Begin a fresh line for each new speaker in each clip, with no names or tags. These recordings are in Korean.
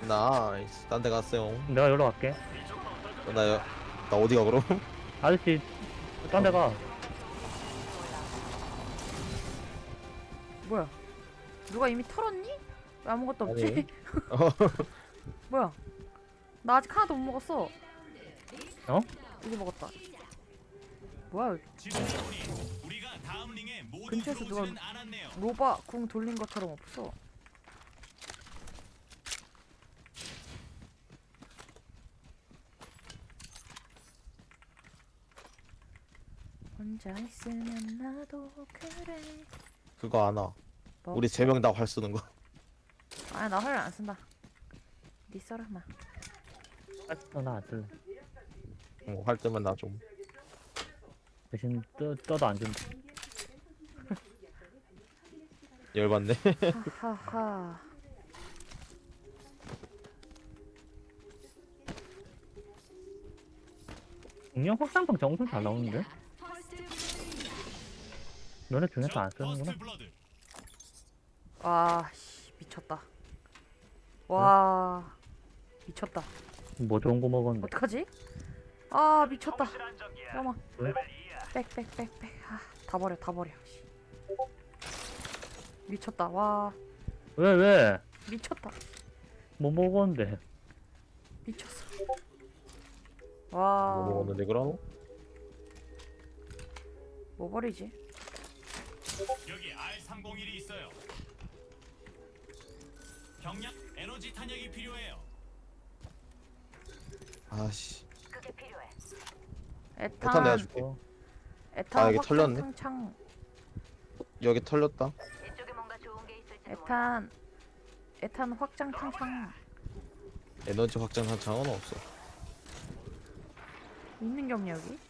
나이스. 딴 데 갔어요.
내가 여기로 갈게.
나, 나 어디가 그럼?
아저씨, 딴 데 가.
뭐야? 누가 이미 털었니? 왜 아무것도 없지?
아니.
뭐야? 나 아직 하나도 못 먹었어.
어?
이제 먹었다. 뭐야? 근처에서 누가 로바 궁 돌린 것처럼 없어. 혼자 있으면 나도 그래.
그거 안 와.
뭐?
우리 3명 다 활 쓰는 거.
아니 나 활 안 쓴다. 니 써라 마.
나안 쓸래.
활 뜨면 나 좀.
대신 떠도 안 준다.
열받네.
하하하.
공룡 확산방 엄청 잘 나오는데? 너네 중에서 안 쓰는구나.
와, 씨, 미쳤다. 와, 미쳤다.
뭐 좋은 거 먹었는데.
어떡하지? 아, 미쳤다. 잠깐만.
왜?
빽. 아, 다 버려, 다 버려. 씨. 미쳤다. 와,
왜?
미쳤다.
뭐 먹었는데?
미쳤어. 와,
뭐 먹었는데 그럼?
뭐 버리지?
여기 R301이 있어요. 경량 에너지 탄약이 필요해요.
아씨.
에탄,
에탄 내가 줄게.
어,
에탄
아, 여기
확장
털렸네.
탕창.
여기 털렸다.
에탄 확장 탕창.
에너지 확장 한창은 없어.
있는 게 없냐 여기?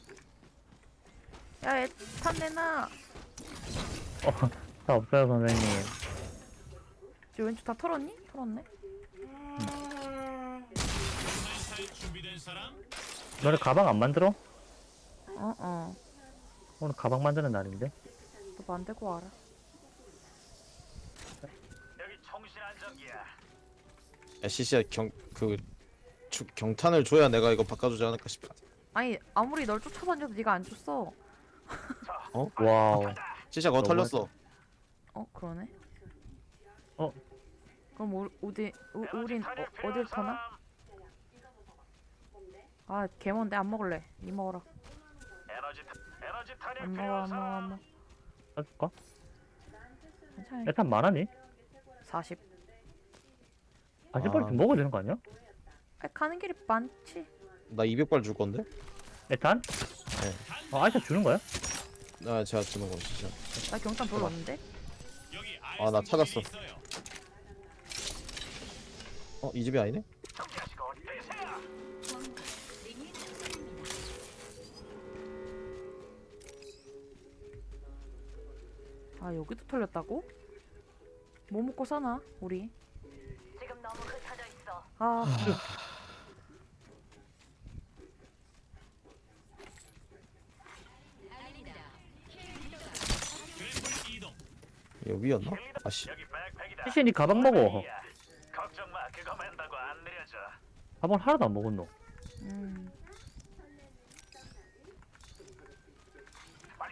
야, 에탄 내놔.
다 없어요, 선생님.
저 왼쪽 다 털었니? 털었네.
순환살 준비된 사람?
너네 가방 안 만들어?
어.
오늘 가방 만드는 날인데?
너 만들고 와라.
여기 총신 안정기야.
야, 시시야 경탄을 줘야 내가 이거 바꿔주지 않을까 싶어.
아니 아무리 널 쫓아다녀도 네가 안 줬어.
와우.
시시야 그거
너무
털렸어.
그러네.
어?
그럼 우린 어딜 터나? 아 개먼데 안 먹을래. 니 먹어라.
에너지 탄약
안 먹어
필요한
안 먹어 안
사람?
먹어.
사줄까?
괜찮아.
일단 많아니?
40.
아직 빨리 좀 먹어야 되는 거 아니야?
아, 가는 길이 많지.
나 200발 줄 건데?
에탄? 아이차 주는 거야?
나 제가 주는 거 시시야.
나 경탄 별로 없는데.
여기
아, 나 찾았어.
있어요.
이 집이 아니네?
아 여기도 털렸다고? 뭐 먹고 사나 우리?
지금 너무 흩어져 있어.
아
그래플 이동.
여기였나? 아씨.
여기 백팩이다.
시시 니 가방 먹어.
걱정 마. 그거 맨다고 안 느려져.
가방 하나도 안 먹었노.
음.
빨리.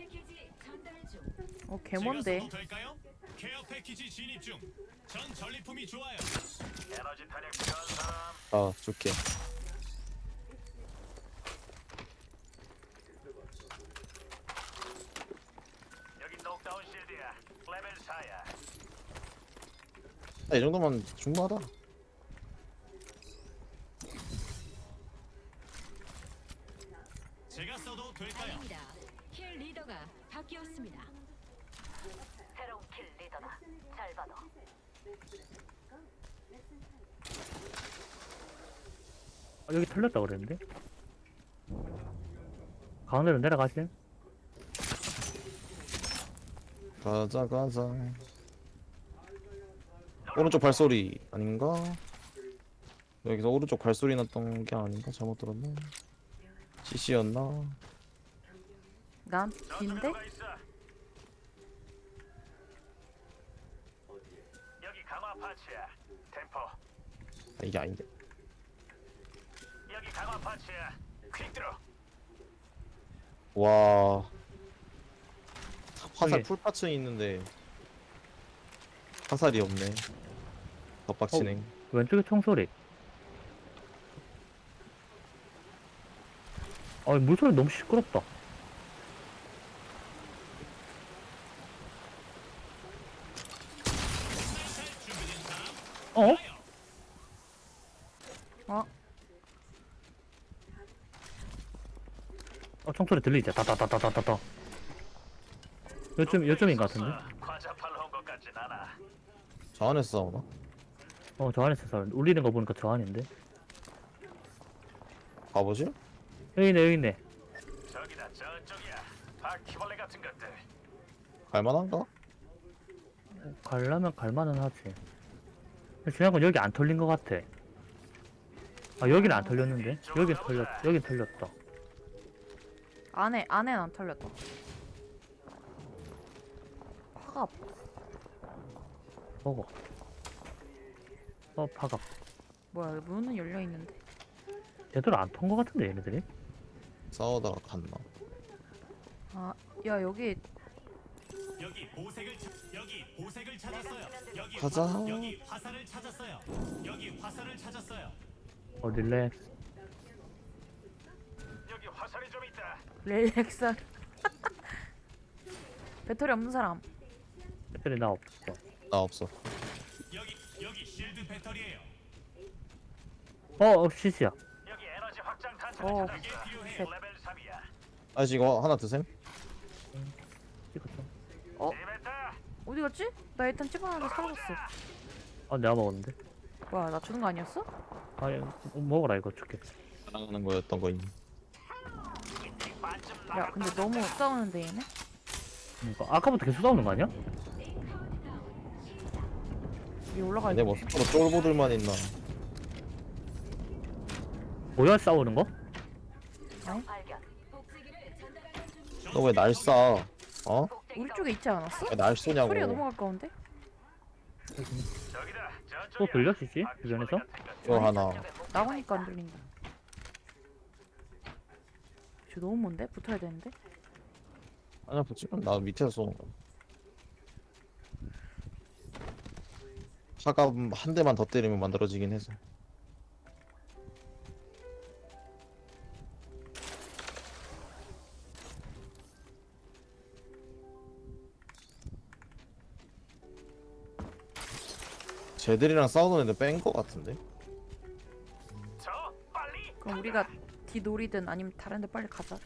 개먼데.
제가 써도 될까요? 케어 패키지 진입 중. 전 전리품이 좋아요. 에너지 탄약 필요한 사람?
줄게.
여기 녹다운 실드야. 레벨 4야.
이 정도면 충분하다.
제가 써도 될까요?
아닙니다. 힐 리더가 바뀌었습니다. 새로운 킬 리더다. 잘 봐도.
여기 털렸다 그랬는데? 가운데로 내려가실?
가자. 오른쪽 발소리 아닌가? 여기서 오른쪽 발소리 났던 게 아닌가? 잘못 들었나? CC였나?
난 빈데?
누가 있어? 여기 강화 파츠야. 템포
아, 이게 아닌데.
여기 강화 파츠야. 퀵 들어.
와. 화살
저기.
풀파츠는 있는데 화살이 없네. 덧박치네.
왼쪽에 총소리. 물소리 너무 시끄럽다. 어?
어?
총소리 들리지? 다다다다다다. 요쯤인 것 같은데?
과자 팔러 온 것 같진 않아.
저 안에서 싸우나?
저 안에서 울리는 거 보니까 저 안인데?
가보지?
여기 있네.
저기다 저쪽이야. 바퀴벌레 같은 것들.
갈만한가?
가려면 갈만은 하지. 근데 중요한 건 여기 안 털린 것 같아. 여기는 안 털렸는데? 여긴 털렸다.
안에는 안 털렸다. 화가
먹어. 파갑.
뭐야? 여기 문은 열려 있는데.
제대로 안 턴 것 같은데, 얘네들이?
싸우다가 갔나?
아, 야 여기
여기 보색을 찾았어요. 여기
가자.
여기 화살을 찾았어요. 여기 화살을 찾았어요.
릴렉스.
여기 화살이 좀 있다.
릴렉스. 배터리 없는 사람.
배터리 나 없어.
나 없어.
여기 실드 배터리예요.
시시야.
여기 에너지 확장 탄창을
어.
찾았어. 이게 필요해.
셋.
레벨 3이야.
아직 이거 하나 드셈?
찍었어.
재밌다.
어디 갔지? 나 일단 집어놨는데 사라졌어.
내가 먹었는데?
뭐야, 나 주는 거 아니었어?
먹어라, 이거 줄게.
사랑하는 거였던 거임.
야, 근데 너무 싸우는데 얘네?
그러니까 아까부터 계속 싸우는 거 아니야?
위에 올라가
근데
있네.
뭐 서로 쫄보들만 있나?
뭐야, 싸우는 거?
발견. 복제기를 전달하는 중.
너 왜 날 쏴? 어?
우리 쪽에 있지 않았어?
왜 날 쏘냐고.
소리가 너무 가까운데?
저기다.
또
저쪽이야.
들려, 시시? 주변에서?
이거 하나.
나오니까 안 들린다. 저 너무 먼데? 붙어야 되는데?
아니야 붙이면 나 밑에서 쏘는 거야. 화가 한 대만 더 때리면 만들어지긴 해서. 쟤들이랑 싸우는 애들 뺀 거 같은데?
저 빨리.
그럼 우리가 뒤놀이든 아니면 다른 데 빨리 가자.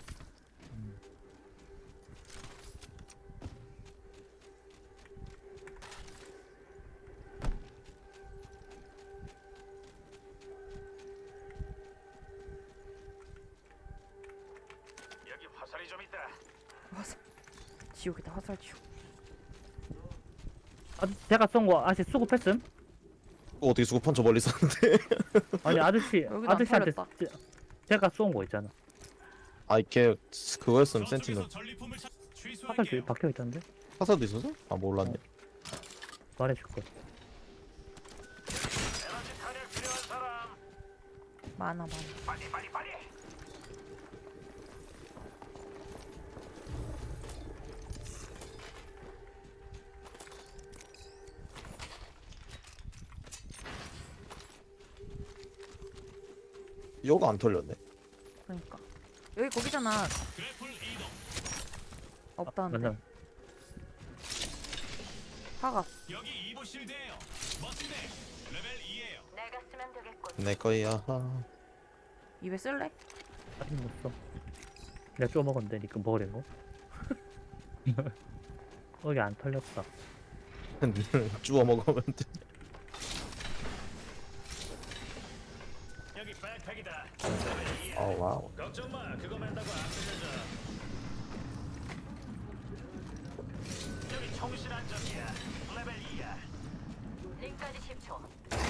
여기 화살이 좀 있다.
화살. 지옥이다, 화살 지옥.
제가 쏜 거 아직 수급했음?
또 어떻게 수급한 저 멀리 쐈는데?
아니,
여기도 안
아저씨한테
털렸다.
제가 쏜 거 있잖아.
아 이게 그거였으면
저쪽에서
센티널.
전리품을
화살
취소할게요.
박혀 있던데?
화살도 있었어? 아 몰랐네.
말해줄 거.
에너지 탄약 필요한 사람.
많아.
빨리.
이거 안 털렸네.
그러니까. 여기 거기잖아.
그래플 이동.
없다는데.
맞아.
화가.
여기 이보 실드예요. 멋진데. 레벨 2예요.
내가 쓰면 되겠군.
내 거야.
입에 쓸래?
아직 못 써. 내가 쪼 먹었는데, 니꺼 먹으란 거? 여기 안 털렸다.
주워 먹으면 돼.
여기 백팩이다. 레벨 2야.
어 와우.
걱정 마. 그거 맨다고 안 들려져. 여기 총실 안전이야. 레벨 2야.
링까지 10초.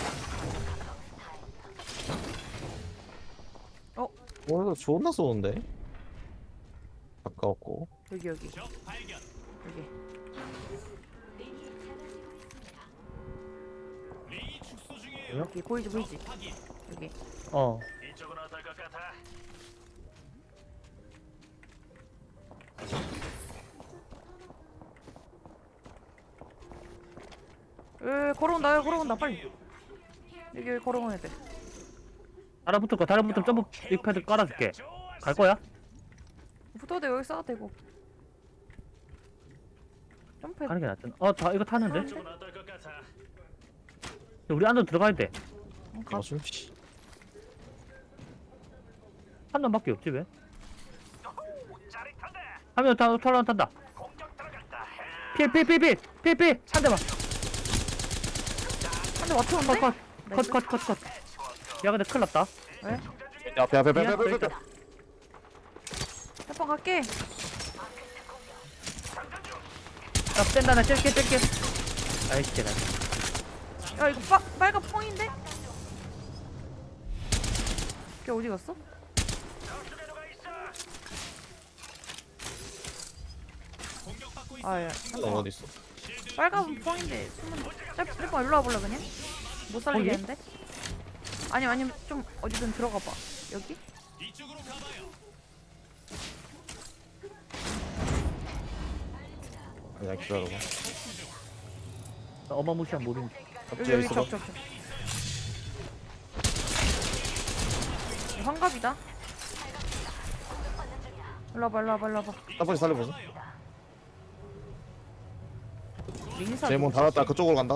이거 존나 쏘는데? 가까웠고.
여기.
적 발견.
여기.
링이 작아지고 있습니다.
링이 축소 중이에요.
여기 보이지 보이지 여기.
어.
이쪽은 어떨 것 같아?
걸어온다 여기 걸어온다 빨리. 여기 걸어오는 애들.
달아붙을 거, 달아붙으면 점프 빅패드 깔아줄게. 갈 거야?
붙어도 여기 싸도 되고. 점프.
가는 게 낫잖아. 다 이거 타는데?
이쪽은 어떨 것 같아?
우리 안으로 들어가야 돼.
가.
이거 숨쉬.
한 놈밖에 없지 왜?
짜릿하다.
하면 털어 탄다.
공격 들어간다.
필. 한 대만.
한대 맞췄는데?
컷. 야 근데 큰일 났다.
왜?
앞에.
해방 갈게.
나 뺀다 나 찔게. 아이씨 나.
야 이거 빨간 펑인데? 걔 어디 갔어?
공격받고 있어.
아야
어디 있어?
빨간 펑인데 숨은. 해방 일로 와볼래 그냥? 못 살리겠는데? 아니면 좀 어디든 들어가 봐. 여기?
이쪽으로 가봐요.
그냥 기다려봐.
나 어마무시한 모든.
여기
있어봐.
적. 환갑이다. 일로 와봐.
땀까지 살려보자.
민사.
제몬 닫았다. 그쪽으로 간다.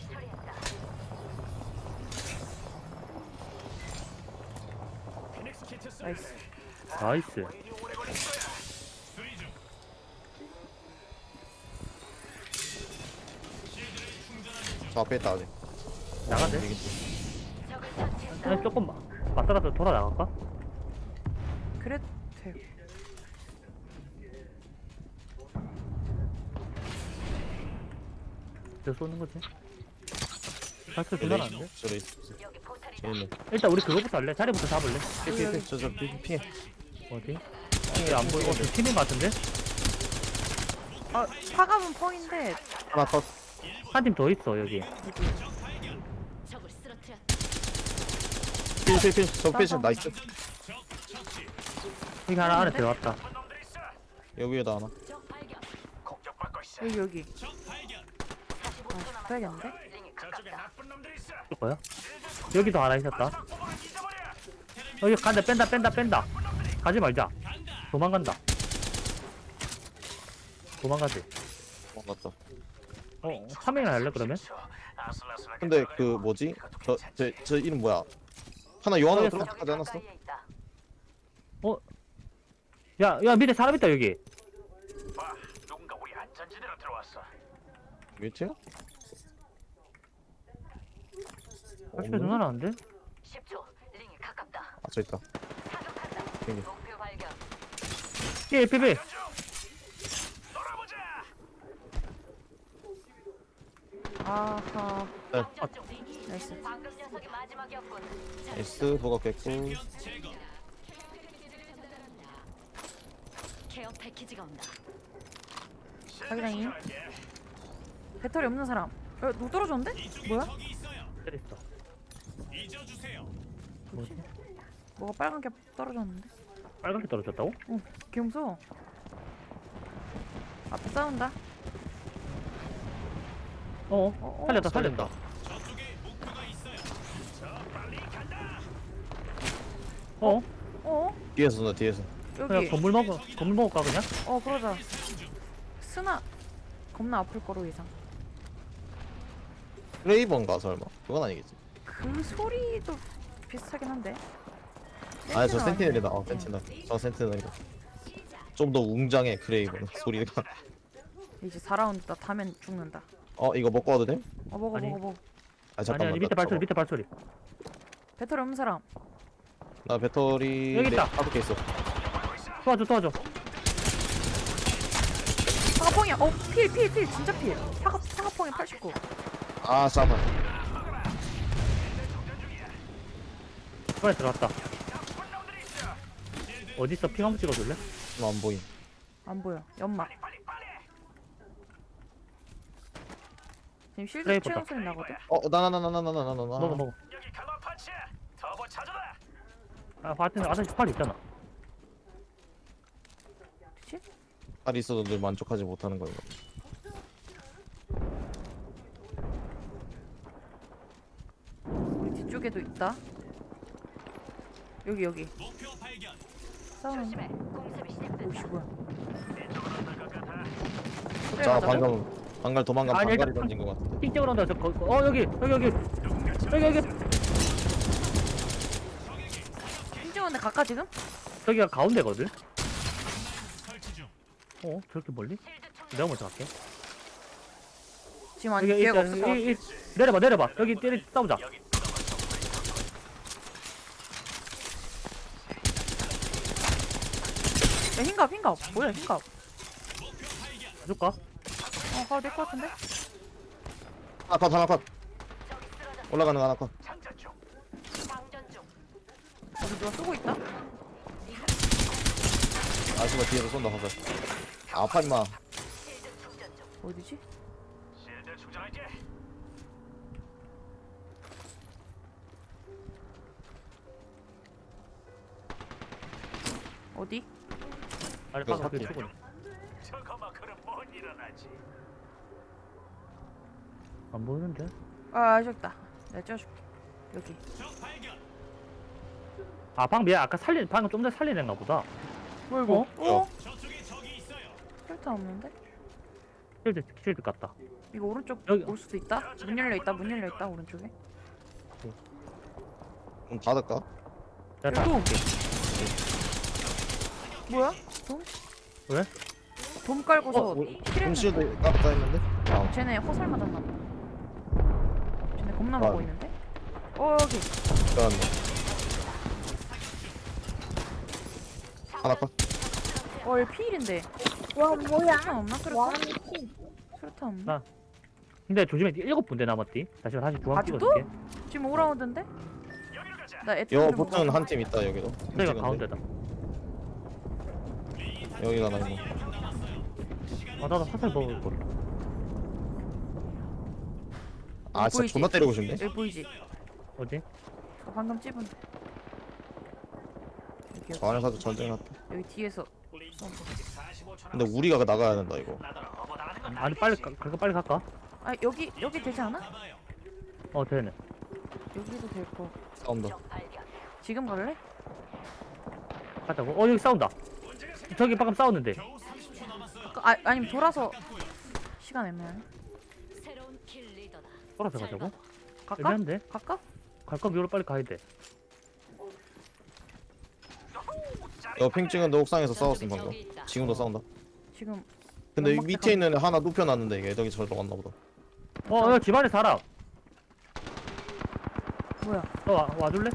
피닉스 키트 쏘.
나이스.
나이스.
수리 중. 실드를 충전하는 중.
저 앞에 있다 아직.
나가대. 아니 조금 맞다가 돌아 나갈까?
그래도 돼요.
저 쏘는 거지. 발표 존나 나는데?
저래 있어. 재밌네.
일단 우리 그거부터 할래? 자리부터 잡을래?
저 피해.
어디? 안 보여. 저 팀인 것 같은데?
파갑은 펑인데
하나 컷.
한 팀 더 있어 여기.
적을 쓰러뜨렸다.
필. 저 필. 나이스.
적 처치.
여기 하나 안에 들어갔다.
놈들 있어.
여기 위에다 하나.
적 발견.
공격받고 있어.
여기.
적 발견.
봐야겠는데?
저쪽에 나쁜 놈들 있어.
줄 거야? 여기도 하나 있었다.
포부를 잊어버려.
여기 간다 뺀다. 가지 말자. 도망간다. 도망가지.
맞다.
파밍을 할래 그러면?
아슬아슬하게
근데 그 뭐지? 저 이름 뭐야? 하나 요한으로 들어가지 않았어?
야 밑에 사람 있다 여기.
봐, 누군가 우리 안전지대로 들어왔어.
밑에요?
발표 존나 나는데?
10초. 링이 가깝다.
아, 저 있다.
사격한다.
여기.
목표 발견.
예 피비.
놀아보자.
아하.
장전 중.
나이스.
방금 녀석이 마지막이었군.
S 보가 깼고.
제거.
케어 패키지가 온다.
자기장이. 배터리 없는 사람. 누구 떨어졌는데?
이쪽에
뭐야?
적이 있어요.
때렸어.
잊어주세요.
뭐지?
뭐가 빨간 게 떨어졌는데?
빨갛게 떨어졌다고?
개 무서워. 앞에 싸운다.
살렸다.
저쪽에 목표가 있어요. 저 빨리 간다.
어?
뒤에서 쏜다, 뒤에서.
그냥
여기.
건물 먹을까 그냥?
그러자. 스나 겁나 아플 거로 예상.
크레이번가 설마? 그건 아니겠지.
그 소리도 비슷하긴 한데.
아니 저 센티넬이다.
아니네.
센티넬. 저 센티넬이다. 좀 더 웅장해 크레이번 소리가.
이제 4라운드 다 타면 죽는다.
이거 먹고 와도 돼?
먹어.
아니.
아 잠깐만.
아니 밑에
나
발소리.
배터리 없는 사람.
나 배터리
여기 있다.
5개 있어.
도와줘.
파가펑이야. 필. 진짜 필. 파가펑이 89.
아 잠깐.
이번에 들어갔다. 어딨어? 핑 한번 찍어줄래?
안 보임.
안 보여. 연막. 지금 실드
그래,
채운
예뻤다.
소리 나거든.
나나나나나나나나.
먹어.
여기 가마 파츠야. 터보 찾아라.
아, 바트는 아저씨 팔 있잖아.
그치?
팔이 있어도 늘 만족하지 못하는 거예요.
우리 뒤쪽에도 있다. 여기
목표 발견.
싸우는데.
조심해. 공습이 시작된다.
오씨 뭐야?
자
맞아?
방갈 도망간
아니,
방갈이
일단-
던진 것 같아.
띵적으로 한다. 여기.
힘주는데 가까 지금?
저기가 가운데거든.
설치 중.
저렇게 멀리?
실드 충전.
내가 먼저 갈게.
지금 아니
여기
기회가
일단
없을 것 같아.
내려봐. 여기 때리 싸우자.
야 흰갑 뭐야 흰갑?
줄까?
가도 될 것 같은데?
하나 컷. 올라가는 거 하나 컷.
장전 중.
장전 중.
어디 누가 쏘고 있다?
아씨가 뒤에서 쏜다 화살. 아파 임마.
실드 충전 중.
어디지?
실드 충전할게.
어디?
아래
이거
방금 그
샀지.
죽었네.
저거만 그럼 못 일어나지.
안 보이는데?
아 저기 있다. 내가 찍어줄게. 여기.
적 발견.
방금 방금 좀 전에 살린 애인가 보다.
뭐 이거? 어?
저쪽에 적이 있어요.
혈탄 없는데?
쉴드 같다.
이거 오른쪽
여기.
올 수도 있다? 문 열려 있다 오른쪽에.
좀 닫을까?
내가
또.
다
뭐야? 돔?
왜?
돔 깔고서 킬했는데.
홈실드 까딱 했는데. 아,
쟤네 화살 맞았나 보다. 쟤네 겁나
아.
먹고 있는데? 여기.
그러네. 하나 컷.
얘 피일인데.
와 뭐야?
수류탄 없나?
와
수류탄? 수류탄 없나?
나. 근데 조심해. 7분대 남았디. 다시 중앙
아직도?
찍어줄게.
지금 5라운드인데?
여기로 가자.
나 애트
여 보트는 한 팀 있다 여기도.
저기가
찍었는데.
가운데다.
여기가 나 있네.
나도 화살 먹을 걸.
아 진짜
보이지?
존나 때리고 싶네.
여기 보이지?
어디?
방금 찝은 여기
저 안에서도 전쟁났다.
여기 뒤에서
근데 우리가 나가야 된다 이거.
아니 빨리 갈까?
아 여기 되지 않아?
되네.
여기도 될 거.
싸운다.
적 발견.
지금 갈래?
가자고. 여기 싸운다. 저기 방금 싸웠는데.
아니면 돌아서 시간 애매하네.
새로운 킬 리더다.
돌아서
잘
가자고.
봐.
갈까?
애매한데?
갈까?
갈 거면 여기로 빨리 가야 돼.
여핑 찍은데 옥상에서 싸웠음
저쪽에
방금.
적이 있다.
지금도 싸운다.
지금
근데
연막
밑에 있는 애 하나 눕혀놨는데 이게 애덕이 저리로 갔나 보다.
여기 집안에 사람.
뭐야?
와줄래?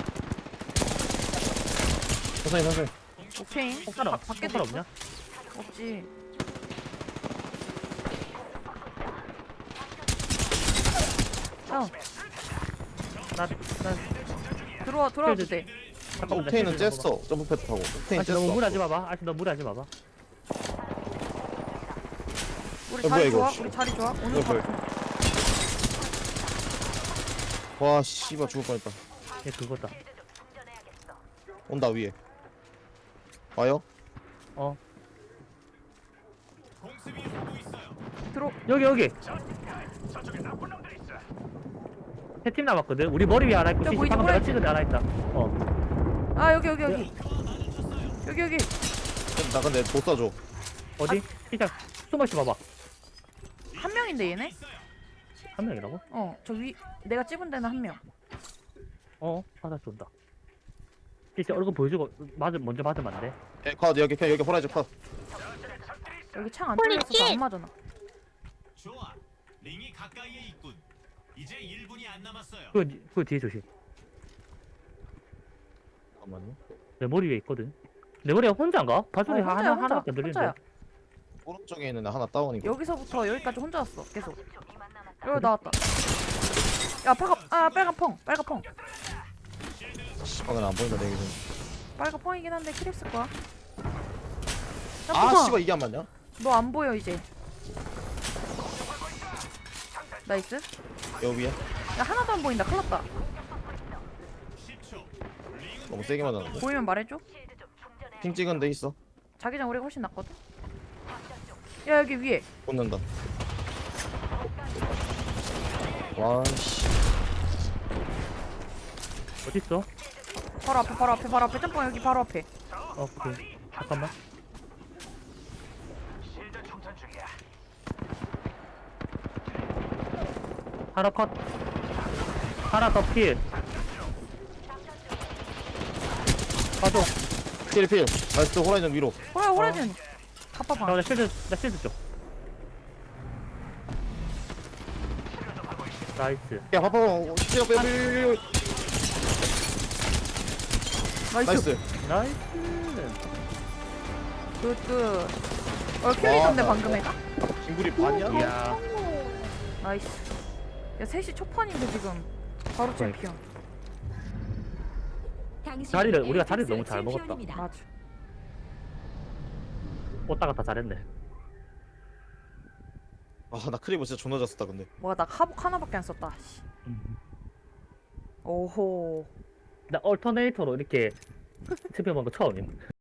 천천히.
오케이.
사람.
밖에도
사람
있어?
없냐?
없지. 들어와도 돼.
잠깐만.
옥테인은 쬐어. 점프 패드 타고. 옥테인
아직 너무
쬐어.
무리하지 마봐. 너 무리하지 마봐.
우리
야, 뭐야,
자리
이거.
좋아? 우리 자리 좋아? 오늘
이거 뭐야.
바로
와 씨발 죽을 뻔했다.
얘 그거다.
충전해야겠어.
온다 위에. 와요?
공습이 오고 있어요.
들어.
여기.
저쪽에 나쁜 놈들 있어.
3팀 남았거든. 우리 머리 위에 하나 있고,
야,
CC
보이지,
방금 내가
보이지?
찍은 데 하나 있다.
아 여기. 여기.
나 근데 못 쏴줘.
어디? 일단 숨어있어 봐봐.
한 명인데 얘네?
한 명이라고?
저 위 내가 찝은 데는 한 명.
받아 쏜다. 진짜 얼굴 보여주고 먼저 맞으면 안 돼.
컷 여기 호라이즈 컷.
여기 창 안 뚫려서 안 맞아나.
좋아. 링이 가까이에 있군. 이제 1분이 안 남았어요.
그 뒤에 조심.
잠깐만요.
내 머리 위에 있거든. 내 머리가 혼자인가? 발소리
혼자야,
하나밖에 안 들리는데.
혼자야.
오른쪽에 있는 애 하나 다운이고.
여기서부터 여기까지 혼자 왔어. 계속.
이만 남았다.
여기 나왔다. 야 빨간 펑.
씨발은 안 보인다 내 기준.
빨간 펑이긴 한데 킬했을 거야.
아 씨발 이게 안 맞냐?
너 안 보여 이제. 나이스.
여기야.
야 하나도 안 보인다. 큰일 났다.
10초.
너무 세게 맞았는데.
보이면 말해줘.
핑 찍은 데 있어.
자기장 우리가 훨씬 낫거든. 야 여기 위에.
꽂는다. 와씨.
어딨어?
바로 앞에 바로 앞에 바로 앞에 짬뽕 여기 바로 앞에.
오케이. 잠깐만.
실드 충전 중이야.
하나 컷. 하나 더 필. 가져.
필. 나이스 호라이즌 위로.
호라이즌. 갑바방.
나 실드 줘. 나이스.
야 봐봐. 빼.
나이스.
나이스.
나이스.
굿굿. 킬리던데
와.
방금 애가?
김구리 반이야?
이야.
나이스. 야 3시 초판인데 지금 바로 챔피언.
우리가 자리를 너무 잘 먹었다.
맞아.
오다가 다 잘했네.
아나 크리브 진짜 존나 잘 썼다 근데.
뭐야 나 하복 하나밖에 안 썼다. 씨. 오호.
나 얼터네이터로 이렇게 챔피언 먹은 거 처음임.